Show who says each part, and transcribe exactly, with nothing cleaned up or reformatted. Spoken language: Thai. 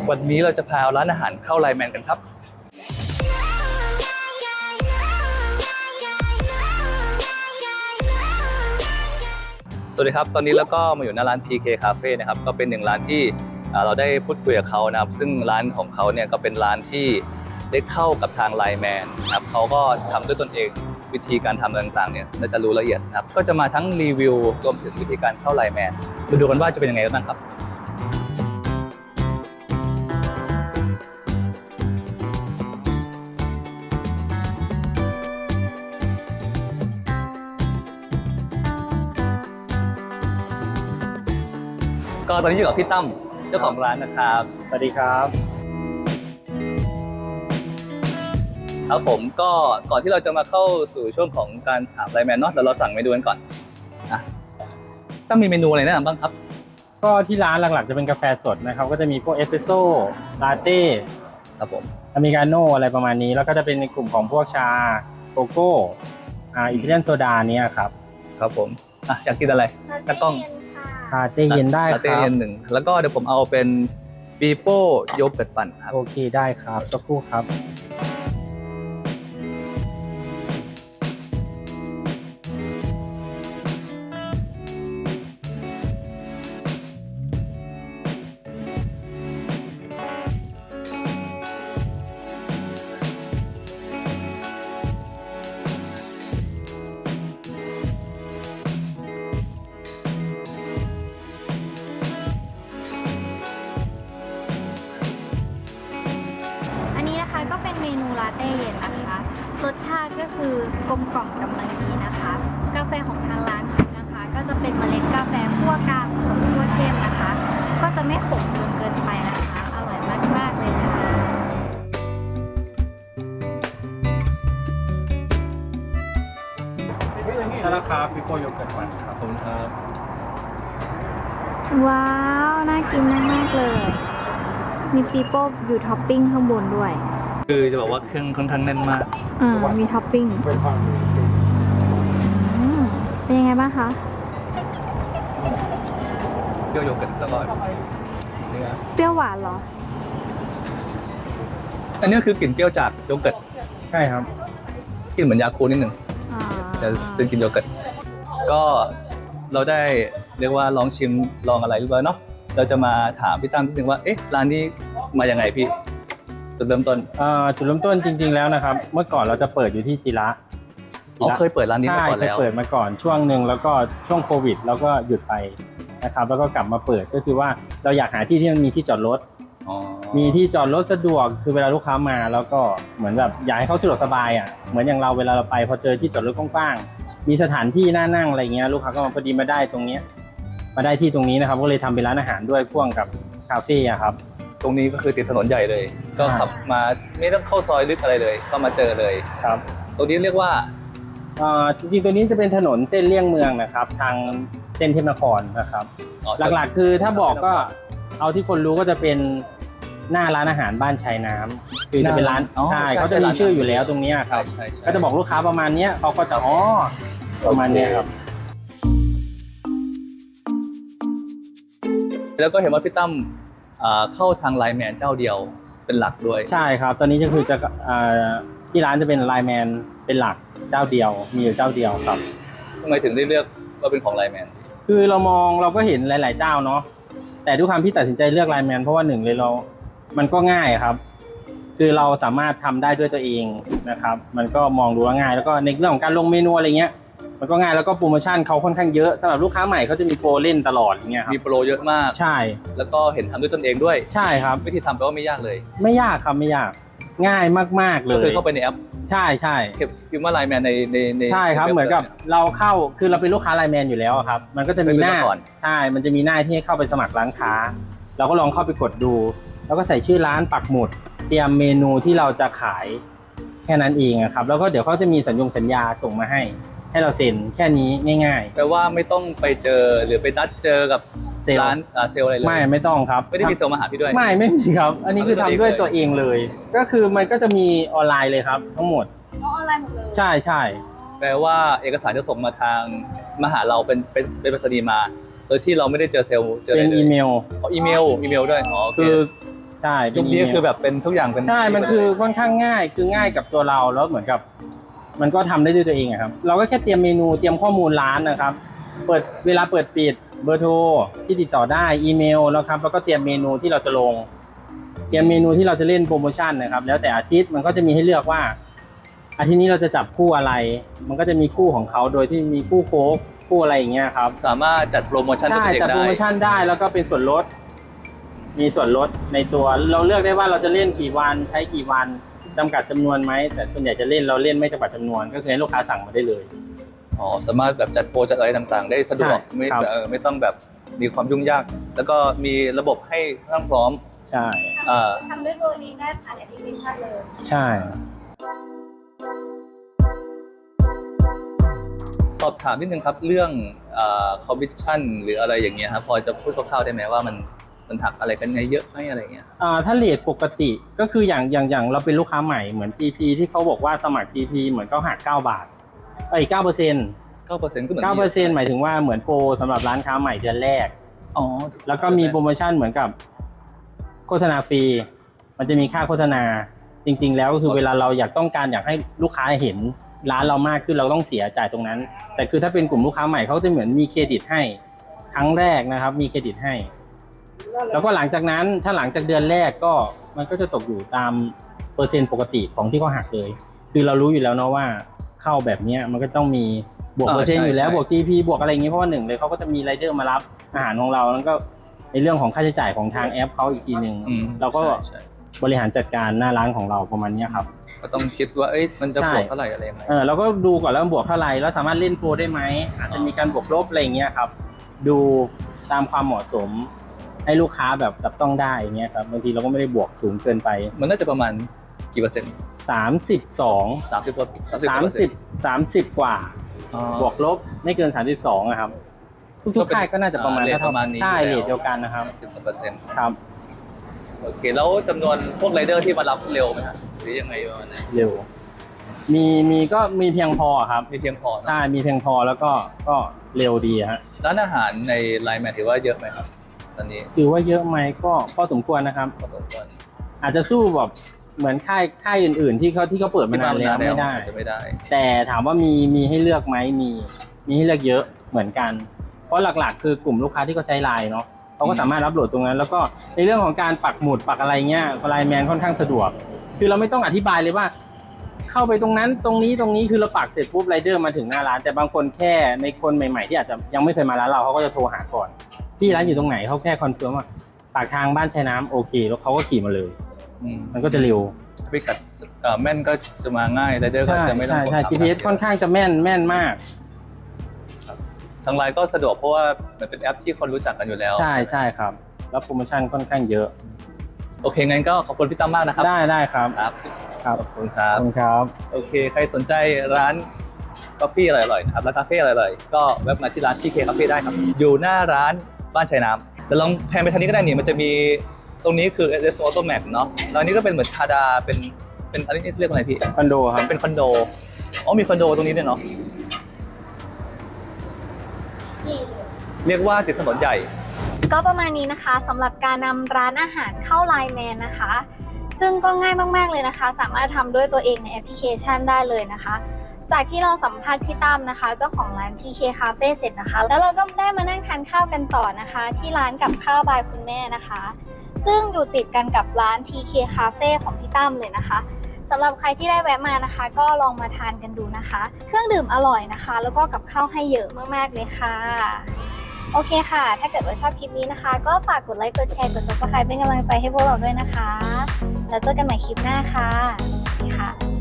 Speaker 1: วันนี้เราจะพาร้านอาหารเข้าไลน์แมนกันครับสวัสดีครับตอนนี้เราก็มาอยู่หน้าร้าน ที เค Cafe นะครับก็เป็นหนึ่งร้านที่เราได้พูดคุยกับเขานะครับซึ่งร้านของเขาเนี่ยก็เป็นร้านที่ได้เข้ากับทางไลน์แมนนะครับเขาก็ทำด้วยตนเองวิธีการทำต่างๆเนี่ยน่าจะรู้ละเอียดนะครับก็จะมาทั้งรีวิวรวมถึงวิธีการเข้าไลน์แมนมาดูกันว่าจะเป็นยังไงบ้างครับก็ตอนนี้อยู่กับพี่ตั้มเจ้าของร้านนะครับ
Speaker 2: สวัสดีครับ
Speaker 1: ครับผมก็ก่อนที่เราจะมาเข้าสู่ช่วงของการถามไลน์แมนเนาะเดี๋ยวเราสั่งเมนูกันก่อนอ่ะต้องมีเมนูอะไรแนะนำบ้างครับ
Speaker 2: ก็ที่ร้านหลักๆจะเป็นกาแฟสดนะครับก็จะมีพวกเอสเปรสโซ่ลาเต้
Speaker 1: ครับผม
Speaker 2: อเมริกาโน่อะไรประมาณนี้แล้วก็จะเป็นในกลุ่มของพวกชาโกโก้อ่าอิตาเลียนโซดาเนี่ยครับ
Speaker 1: ครับผมอ่ะอยากกินอะไรตากล้อง
Speaker 2: ลาเต้เย็นได้ครับลา
Speaker 1: เต้เย็นหนึ่งแล้วก็เดี๋ยวผมเอาเป็นปีโป้โยเกิร์ตปั่นครับ
Speaker 2: โอเคได้ครับสักครู่ครับ
Speaker 3: ก็เป็นเมนูลาเต้เย็นนะคะรสชาติก็คือกลมกล่อมกำลังดีนะคะกาแฟของทางร้านเขานะคะก็จะเป็นเมล็ดกาแฟคั่วกลางผสมคั่วเข้มนะคะก็จะไม่ขมจนเกินไปนะคะอร่อยมากๆเลยค่ะ
Speaker 2: แล้วราคาปิโป้โยเกิร์ตหวานครับ
Speaker 1: ขอบคุณครับ
Speaker 3: ว้าวน่ากินมากๆเลยมีปีโป้อยู่ท็อปปิ้งข้างบนด้วย
Speaker 1: คือจะบอกว่าเครื่องค่อนข้างแน่นมาก
Speaker 3: อ่ามีท็อปปิ้งเป็นยังไงบ้างคะ
Speaker 1: เปรี้ยวโยเกิร์ตแล้วก็เนื้อ
Speaker 3: เปรี้ยวหวานเหรอ
Speaker 1: อันนี้คือกลิ่นเปรี้ยวจากโยเกิร์ต
Speaker 2: ใช่ครับ
Speaker 1: กลิ่นเหมือนยาคูลนิดหนึ่งแต่เป็นกลิ่นโยเกิร์ตก็เราได้เรียกว่าลองชิมลองอะไรเรียบร้อยเนาะเราจะมาถามพี่ตั้มนิดนึงว่าเอ๊ะร้านนี้มายังไงพี่จุดเริ่มต้น
Speaker 2: จุดเริ่มต้นจริงๆแล้วนะครับเมื่อก่อนเราจะเปิดอยู่ที่จิระ
Speaker 1: อ๋อเคยเปิดร้านนี้มาก่อนแล้ว
Speaker 2: ใช่เคยเปิดมาก่อนช่วงหนึ่งแล้วก็ช่วงโควิดแล้วก็หยุดไปนะครับแล้วก็กลับมาเปิดก็คือว่าเราอยากหาที่ที่มันมีที่จอดรถมีที่จอดรถสะดวกคือเวลาลูกค้ามาแล้วก็เหมือนแบบอยากให้เขาสะดวกสบายอ่ะเหมือนอย่างเราเวลาเราไปพอเจอที่จอดรถกว้างๆมีสถานที่น่านั่งอะไรเงี้ยลูกค้าก็มาพอดีมาได้ตรงนี้มาได้ที่ตรงนี้นะครับก็เลยทำเป็นร้านอาหารด้วยพ่วงกับคาเฟ่ครับ
Speaker 1: ตรงนี้ก็คือติดถนนใหญ่เลยก็ขับมาไม่ต้องเข้าซอยลึกอะไรเลยก็มาเจอเลย
Speaker 2: ครับ
Speaker 1: ตรงนี้เรียกว่า
Speaker 2: จริงๆตัวนี้จะเป็นถนนเส้นเลี่ยงเมืองนะครับทางเส้นเทพนครนะครับหลักๆคือถ้าบอกก็เอาที่คนรู้ก็จะเป็นหน้าร้านอาหารบ้านชายน้ำคือจะเป็นร้านใช่เขาจะมีชื่ออยู่แล้วตรงนี้ครับก็จะบอกลูกค้าประมาณนี้เขาก็จะอ๋อประมาณนี้ครับ
Speaker 1: แล้วก็เห็นว่าพี่ตั้มเข้าทางไลน์แมนเจ้าเดียวเป็นหลักด้วย
Speaker 2: ใช่ครับตอนนี้ก็คือจะที่ร้านจะเป็นไลน์แมนเป็นหลักเจ้าเดียวมีอยู่เจ้าเดียวครับ
Speaker 1: ทำไมถึงได้เลือกว่าเป็นของไลน์แมน
Speaker 2: คือเรามองเราก็เห็นหลายๆเจ้าเนาะแต่ด้วยความที่ตัดสินใจเลือกไลน์แมนเพราะว่าหนึ่งเลยเรามันก็ง่ายครับคือเราสามารถทำได้ด้วยตัวเองนะครับมันก็มองดูว่าง่ายแล้วก็ในเรื่องของการลงเมนูอะไรเงี้ยมันก็ง่ายแล้วก็โปรโมชั่นเขาค่อนข้างเยอะสำหรับลูกค้าใหม่เขาจะมีโปรเล่นตลอดอย่างเงี้ยครับ
Speaker 1: มีโปรเยอะมาก
Speaker 2: ใช่
Speaker 1: แล้วก็เห็นทำด้วยตนเองด้วย
Speaker 2: ใช่ครับ
Speaker 1: วิธีทำแปลว่าไม่ยากเลย
Speaker 2: ไม่ยากครับไม่ยากง่ายมากๆเลย
Speaker 1: ก็คือเข้าไปในแอป
Speaker 2: ใช่ใช่
Speaker 1: พิมพ์ว่าไลน์แมนในในใน
Speaker 2: ใช่ครับเหมือนกับเราเข้าคือเราเป็นลูกค้าไลน์แมนอยู่แล้วครับมันก็จะมีหน้าใช่มันจะมีหน้าที่ให้เข้าไปสมัครร้านค้าเราก็ลองเข้าไปกดดูแล้วก็ใส่ชื่อร้านปักหมุดเตรียมเมนูที่เราจะขายแค่นั้นเองครับแล้วก็เดี๋ยวเขาจะมีสัญญงสัญญาส่งมาให้ให้เราเซ็นแค่นี้ง่าย
Speaker 1: ๆแปลว่าไม่ต้องไปเจอหรือไปนัดเจอกับร้านเซลล์อะไรเลย
Speaker 2: ไม่ไม่ต้องครับ
Speaker 1: ไม่ได้มีเซลล์มาหาพี่ด้วย
Speaker 2: ไม่ไม่มีครับอันนี้คือทำด้วยตัวเองเลยก็คือมันก็จะมีออนไลน์เลยครับทั้งหมด
Speaker 3: ออนไลน์หมดเลย
Speaker 2: ใช่ใช่
Speaker 1: แปลว่าเอกสารจะส่งมาทางมาหาเราเป็นเป็นเป็นไปรษณีย์มาโดยที่เราไม่ได้เจอเซลล์
Speaker 2: เป็นอีเมล
Speaker 1: อ๋ออีเมลอีเมลด้วยอ๋อ
Speaker 2: คือใช่
Speaker 1: ยุคนี้คือแบบเป็นทุกอย่างเป็น
Speaker 2: ใช่มันคือค่อนข้างง่ายคือง่ายกับตัวเราแล้วเหมือนกับ มันก็ทำได้ด้วยตัวเองอะครับเราก็แค่เตรียมเมนูเตรียมข้อมูลร้านนะครับเปิดเวลาเปิดปิดเบอร์โทรที่ติดต่อได้อีเมลแล้วครับแล้วก็เตรียมเมนูที่เราจะลงเตรียมเมนูที่เราจะเล่นโปรโมชั่นนะครับแล้วแต่อาทิตย์มันก็จะมีให้เลือกว่าอาทิตย์นี้เราจะจับคู่อะไรมันก็จะมีคู่ของเขาโดยที่มีคู่โค้กคู่อะไรอย่างเงี้ยครับ
Speaker 1: สามารถจัดโปรโมชั่น
Speaker 2: ใช่
Speaker 1: ตัวเอง
Speaker 2: จัด
Speaker 1: ได้
Speaker 2: โปรโมชั่นได้แล้วก็เป็นส่วนลดมีส่วนลดในตัวเราเลือกได้ว่าเราจะเล่นกี่วันใช้กี่วันจำกัดจำนวนไหมแต่ส่วนใหญ่จะเล่นเราเล่นไม่จำกัดจำนวนก็คือให้ลูกค้าสั่งมาได้เลย
Speaker 1: อ๋อสามารถแบบจัดโปรจัดอะไรต่างๆ ได้สะดวก
Speaker 2: ใช่
Speaker 1: ไม่
Speaker 2: ครับ
Speaker 1: เออไม่ต้องแบบมีความยุ่งยาก แล้วก็มีระบบให้ทั้งพร้อม
Speaker 2: ใช่
Speaker 1: อ่า
Speaker 3: ทำด้วยตัวเองได้ผ่านแอปพลิเคชันเลย
Speaker 2: ใช่
Speaker 1: สอบถามนิดนึงครับเรื่องคอมมิชชั่นหรืออะไรอย่างเงี้ยครับพอจะพูดคร่าวๆได้ไหมว่ามันมันหักอะไรกันไงเยอะไหมอะไรเงี้ย
Speaker 2: อ่าถ้าเรทปกติก็คืออย่างอย่างอย่างเราเป็นลูกค้าใหม่เหมือน จี พี ที่เขาบอกว่าสมัคร จี พี เหมือนเขาหักเก้าบาทเอ้ยเก้าเปอร์เซ็นต์
Speaker 1: เก้าเปอร์เซ็นต์ก็เหมือน
Speaker 2: เก้าเปอร์เซ็นต์หมายถึงว่าเหมือนโปรสำหรับร้านค้าใหม่เดือนแรก
Speaker 1: อ๋อ
Speaker 2: แล้วก็มีโปรโมชั่นเหมือนกับโฆษณาฟรีมันจะมีค่าโฆษณาจริงๆแล้วก็คือเวลาเราอยากต้องการอยากให้ลูกค้าเห็นร้านเรามากขึ้นเราต้องเสียจ่ายตรงนั้นแต่คือถ้าเป็นกลุ่มลูกค้าใหม่เขาจะเหมือนมีเครดิตให้ครั้งแรกนะครับมีเครดิตให้แล้วก็หลังจากนั้นถ้าหลังจากเดือนแรกก็มันก็จะตกอยู่ตามเปอร์เซ็นต์ปกติของที่เขาหักเลยคือเรารู้อยู่แล้วเนาะว่าเข้าแบบนี้มันก็ต้องมีบวกเปอร์เซ็นต์อยู่แล้วบวก จี พี บวกอะไรอย่างนี้เพราะว่าหนึ่งเลยเขาก็จะมีไรเดอร์มารับอาหารของเราแล้วก็ในเรื่องของค่าใช้จ่ายของทางแอปเขาอีกทีหนึ่งเราก็บริหารจัดการหน้าร้านของเราประมาณนี้ครับ
Speaker 1: ก็ต้องคิดว่าเอ้ยมันจะบวกเท่าไหร่อะไรยังไง
Speaker 2: เออเราก็ดูก่อนแล้วบวกเท่าไหร่แล้วสามารถเล่นโปรได้ไหมอาจจะมีการบวกลบอะไรอย่างเงี้ยครับดูตามความเหมาะสมให้ลูกค้าแบบจับต้องได้อย่างเงี้ยครับบางทีเราก็ไม่ได้บวกสูงเกินไป
Speaker 1: มันน่าจะประมาณกี่เปอร์เซ็นต์
Speaker 2: สามสิบสอง
Speaker 1: สามสิบกว่า
Speaker 2: สามสิบ สามสิบกว่าบวกลบไม่เกินสามสิบสองอะครับทุกๆค่ายก็น่าจะประมาณเท่าๆใช่เรทเดียวกันนะครับ
Speaker 1: สิบเปอร์เซ็นต์
Speaker 2: ครับ
Speaker 1: โอเคแล้วจำนวนพวกไรเดอร์ที่มารับเร็วไหมครับหรือยังไงประมาณนั้น
Speaker 2: เร็วมีมีก็มีเพียงพอครับ
Speaker 1: มีเพียงพอ
Speaker 2: ใช่มีเพียงพอแล้วก็ก็เร็วดีฮะ
Speaker 1: ร้านอาหารในไลน์แมนถือว่าเยอะไหมครับตอนนี้
Speaker 2: ถือว่าเยอะไหมก็พอสมควรนะครับ
Speaker 1: พอสมควร
Speaker 2: อาจจะสู้แบบเหมือนค่ายค่ายอื่นๆที่เขาที่เขาเปิดมานานแล้วไม่ได้
Speaker 1: ไม่ได้
Speaker 2: แต่ถามว่ามีมีให้เลือกไหมมีมีให้เลือกเยอะเหมือนกันเพราะหลักๆคือกลุ่มลูกค้าที่เขาใช้ไลน์เนาะเขาก็สามารถรับโหลดตรงนั้นแล้วก็ในเรื่องของการปักหมุดปักอะไรเงี้ยไลน์แมนค่อนข้างสะดวกคือเราไม่ต้องอธิบายเลยว่าเข้าไปตรงนั้นตรงนี้ตรงนี้คือเราปักเสร็จปุ๊บไรเดอร์มาถึงหน้าร้านแต่บางคนแค่ในคนใหม่ๆที่อาจจะยังไม่เคยมาร้านเราเขาก็จะโทรหาก่อนพี่ร้านอยู่ตรงไหนเขาแค่คอนเฟิร์มว่าปากทางบ้านชายน้ำโอเคแล้วเขาก็ขี่มาเลยมันก็จะเร็ว
Speaker 1: พิกัดแม่นก็จะมาง่ายไรเดอร์ก็จะไม่ต้อง
Speaker 2: ใช่ใช่ จี พี เอส ค่อนข้างจะแม่นแม่นมาก
Speaker 1: ทางไลน์ก็สะดวกเพราะว่ามันเป็นแอปที่คนรู้จักกันอยู่แล้ว
Speaker 2: ใช่ใช่ครับแล้วโปรโมชั่นค่อนข้างเยอะ
Speaker 1: โอเคงั้นก็ขอบคุณพี่ตั้มมากนะครับ
Speaker 2: ได้ได้ครับ
Speaker 1: ครับ
Speaker 2: ครับ
Speaker 1: ขอบคุณครับ
Speaker 2: ขอบคุณครับ
Speaker 1: โอเคใครสนใจร้านกาแฟอร่อยๆนะครับร้านกาแฟอร่อยๆก็แวะมาที่ร้าน ที เค Cafe ได้ครับอยู่หน้าร้านบ้านชายน้ำแต่ลองแพนไปทางนี้ก็ได้นี่มันจะมีตรงนี้คือ เอส เอส Auto Map เนาะแล้วอันนี้ก็เป็นเหมือนทาดาเป็นเป็นอะไรนี่เรียกว่าอะไรพี่
Speaker 2: คอนโดครับ
Speaker 1: เป็นคอนโดอ๋อมีคอนโดตรงนี้ด้วยเนาะเรียกว่าติดถนนใหญ่
Speaker 3: ก็ประมาณนี้นะคะสำหรับการนำร้านอาหารเข้าไลน์แมนนะคะซึ่งก็ง่ายมากๆเลยนะคะสามารถทำด้วยตัวเองในแอปพลิเคชันได้เลยนะคะจากที่เราสัมภาษณ์พี่ตั้มนะคะเจ้าของร้าน ที เค Cafe เสร็จนะคะแล้วเราก็ได้มานั่งทานข้าวกันต่อนะคะที่ร้านกับข้าวบายคุณแม่นะคะซึ่งอยู่ติดกันกับร้าน ที เค Cafe ของพี่ตั้มเลยนะคะสำหรับใครที่ได้แวะมานะคะก็ลองมาทานกันดูนะคะเครื่องดื่มอร่อยนะคะแล้วก็กับข้าวให้เยอะมากๆเลยค่ะโอเคค่ะถ้าเกิดว่าชอบคลิปนี้นะคะก็ฝากกดไลค์กดแชร์กด ซับสไครบ์ เป็นกำลังใจให้พวกเราด้วยนะคะแล้วเจอกันใหม่คลิปหน้าค่ะสวัสดีค่ะ